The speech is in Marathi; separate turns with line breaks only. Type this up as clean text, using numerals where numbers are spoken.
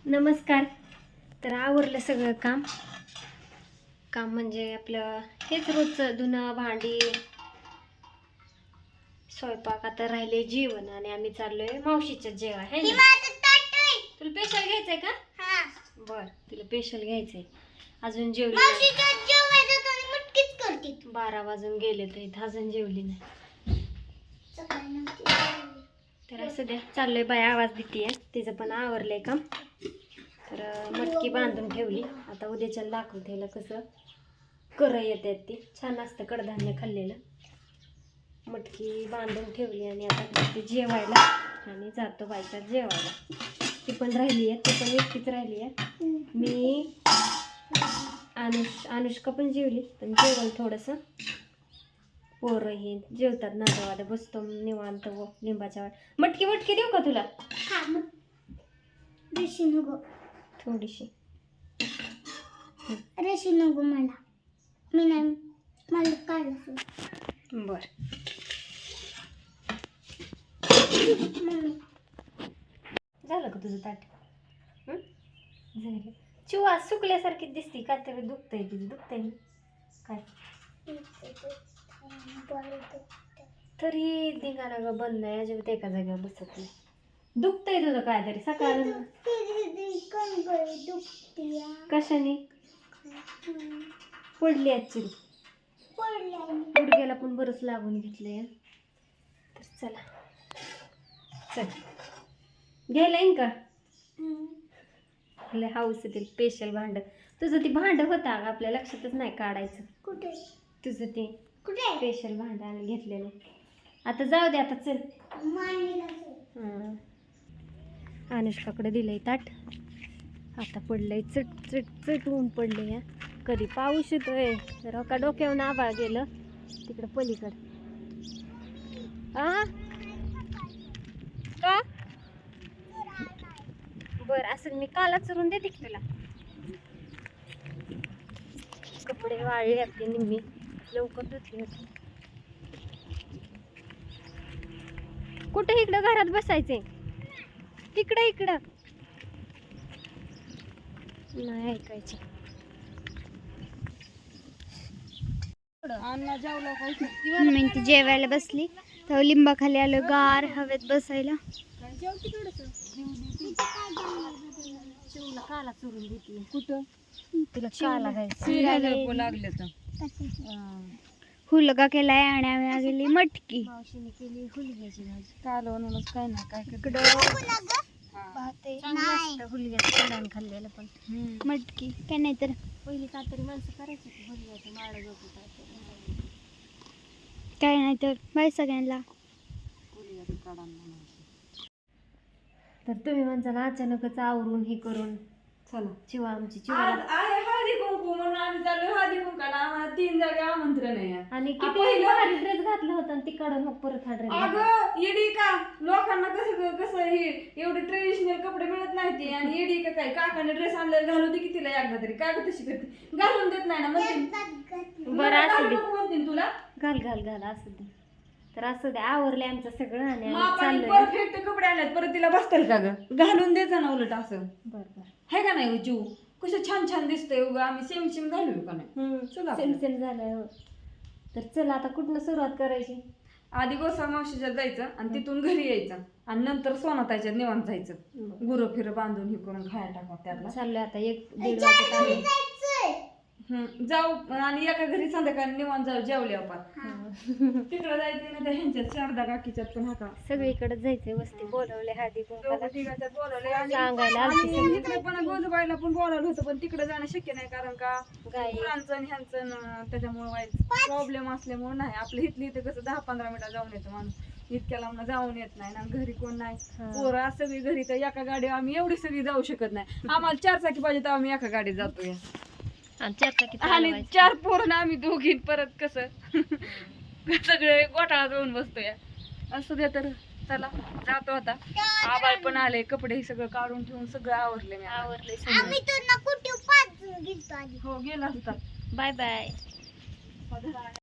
नमस्कार. तर आवरलं सगळं काम म्हणजे आपलं हेच रोजचं धुणं भांडी स्वयंपाक. आता राहिले जेवण आणि आम्ही चाललोय मावशीच्या जेवण आहे ना. तुला स्पेशल घ्यायचंय का? बर, तुला स्पेशल घ्यायचंय. अजून जेवली नाही. 12 वाजून गेले तर अजून जेवली नाही. तर असं द्या, चाललंय बाय. आवाज देते तिचं पण आवरलंय काम. तर मटकी बांधून ठेवली. आता उद्याच्या दाखवतेला कसं कर येतात ती. छान असतं कडधान्य खाल्लेलं. मटकी बांधून ठेवली आणि आता ते जेवायला आणि जातो बायका जेवायला. ती पण राहिली आहे, ती पण एकटीच राहिली आहे. मी अनुष्का पण जेवली, पण जेवण थोडंसं पोरं हे जेवतात नादावादा. बसतो निवांत व लिंबाच्या वाट. मटकी देऊ का तुला? थोडीशी
रेशी नको मला. मी नाही, मला काढलं.
बर. झालं का तुझं ताट? झालं. चिवा सुकल्यासारखी दिसते. काहीतरी दुखतंय तिचं. दुखतंय काय? तरी धिंगाणा ग बंद नाही. अजिबात एका जागेवर बसत नाही. दुखतंय तुझं काहीतरी सकाळ. कशाने पडली ऍक्च्युली? गुडघ्याला पण बरंच लागून घेतलंय. तर चला घ्यायला येईन का? आपल्या हाऊस येतील स्पेशल भांड. तुझं ते भांड होतं आपल्या लक्षातच नाही काढायचं.
कुठे
तुझं ते स्पेशल भांड आम्ही घेतलेलं. आता जाऊ दे. आता चल. अनुष्काकडे दिलंय ताट. आता पडलंय चट चट चट ऊन पडलंय. कधी पाऊस येतोय तर का डोक्यावरून आभाळ गेलं तिकडं पलीकडं. का बर असं मी काला चरून देते की तुला. कपडे वाळले आपली निम्मी लवकर धुतली होती. कुठं इकडं घरात बसायचे? इकडं नाही ऐकायचे.
मी ती जेवायला बसली तर लिंबाखाली आलो गार हवेत बसायला.
शिवला काला चुरून देते.
कुठं
तुला काला घ्यायचं
लागले तर हुलगा केलाय आणि आम्ही गेली मटकी.
मावशीने केली हुलग्याची भाजी.
कालवणूनच काय ना काय
इकडं हुलग्याचं कडण खाल्लेलं पण
मटकी काय नाही तर
पहिली कातरी माणसं करायची हुलग्याचं माळ गपू
काय नाही तर. बाय सगळ्यांना.
तर तुम्ही म्हणता अचानकच आवरून हे करून चला चिवा आमची चिवा
हळदी कुंकू म्हणून आम्ही चालू हळदी कुंकाला. आम्हाला 3 जागे आमंत्रण आहे.
आणि किती भारी ड्रेस घातलं होतं आणि तिकडं मग परत हा ड्रेस.
अगं येडी का लोकांना कसं कसं हे एवढे ट्रेडिशनल कपडे मिळत नाहीती आणि येडी का काय काकाने ड्रेस आणलेला घालू दे की तिला एकदा तरी. काय ग तशी करते? घालून देत नाही ना म्हणते.
बरं असू दे.
म्हणते तुला
घाल असू दे. तर असं दे आवरले आमचं सगळं आणि आम्ही
मापाने
चाललोय.
परफेक्ट कपडे आणलेत परत तिला बसतील का ग? घालून द्यायचं ना उलट असं.
बरं
है का नाही जीव? कसं छान छान दिसतंय उगा. आम्ही सेम घालू का नाही? चला
सेम झालंय. हो तर चला आता कुठनं सुरुवात करायची?
आधी गोसा मावशीच्यात जायचं आणि तिथून घरी यायचं आणि नंतर सोनाताईच्यात निवांत जायचं. गुरं फिरं बांधून हे करून खायला टाका त्यातला.
चाललोय आता 1-1:30 वाजता.
जाऊ आणि एका घरी संध्याकाळी निवांत जाऊ जेवले आपण. तिकडं जायचं ना त्या ह्यांच्यात शारदा काकीच्यात पण हाका
सगळीकडे जायचंय. वस्ती बोलवले हळदी कुंकाला
तिघाच्यात बोलवले आणि
सांगायला आलती सगळी.
तिकडे पण गोजूबाईला पण बोलावलं होतं पण तिकडे जाणं शक्य नाही कारण का
गाई
मुलांचं आणि ह्यांचं त्याच्यामुळे प्रॉब्लेम असल्यामुळे नाही. आपल्या इथली इथं कसं 10-15 मिनिटं जाऊन येतं माणूस. इतक्या लांब जाऊन येत नाही ना. घरी कोण नाही. पोरं सगळी घरी तर एका गाडीवर आम्ही एवढी सगळी जाऊ शकत नाही. आम्हाला 4 चाकी पाहिजे तर आम्ही एका गाडीत जातोय आणि 4 पोरं आम्ही दोघी परत कसं सगळे गोठाळा जाऊन बसतोय. असं दे तर चला जातो आता. आबाळ पण आले. कपडे सगळं काढून ठेवून सगळं आवरले. मी
आवरले.
हो गेला असता.
Bye bye.